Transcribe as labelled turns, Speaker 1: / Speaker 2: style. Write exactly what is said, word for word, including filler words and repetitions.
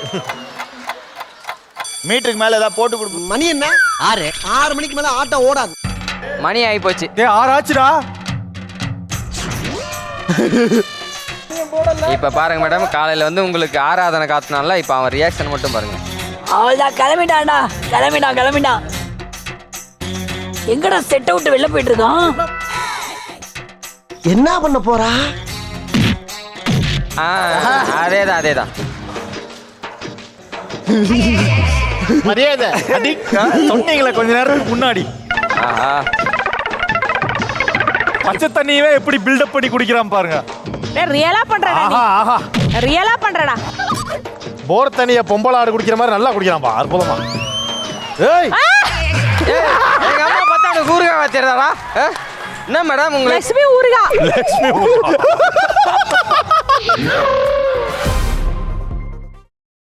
Speaker 1: மீட்டருக்கு மேல ஏதாவது போட்டு கொடுக்கும்.
Speaker 2: மணி என்ன? ஆறு. ஆறு மணிக்கு மேல ஆட்டோ ஓடாது.
Speaker 3: மணி ஆகி போச்சு.
Speaker 4: ஏ ஆறு ஆச்சுடா.
Speaker 3: இப்ப பாருங்க மேடம், காலையில வந்து உங்களுக்கு ஆராதனை காத்துனால இப்ப அவன் ரியாக்ஷன் மட்டும் பாருங்க.
Speaker 5: அவள்தான் கிளம்பிட்டான்டா, கிளம்பிட்டான் கிளம்பிட்டான். எங்கடா செட் அவுட் வெளில போயிட்டு இருக்கான்?
Speaker 2: என்ன பண்ண போறா?
Speaker 3: அதேதான் அதேதான்.
Speaker 1: மரியாதை அடி
Speaker 4: சொன்னீங்களே கொஞ்ச நேரத்துக்கு முன்னாடி.
Speaker 3: ஆஹா,
Speaker 4: பச்சை தண்ணியவே எப்படி பில்டப் பண்ணி குடிக்கிறான் பாருங்க.
Speaker 6: டேய் ரியலா பண்றடா நீ.
Speaker 4: ஆஹா ஆஹா.
Speaker 6: ரியலா பண்றடா.
Speaker 4: போர் தண்ணிய பொம்பளை ஆடு குடிக்கிற மாதிரி நல்லா குடிக்கிறான்பா. அற்புதமா. ஏய்
Speaker 3: எங்க அம்மா பார்த்தா உனக்கு ஊறுகாய் வச்சிருந்தாரா? என்ன மேடம் உங்களுக்கு
Speaker 6: லட்சுமி ஊறுகாய்.
Speaker 4: லட்சுமி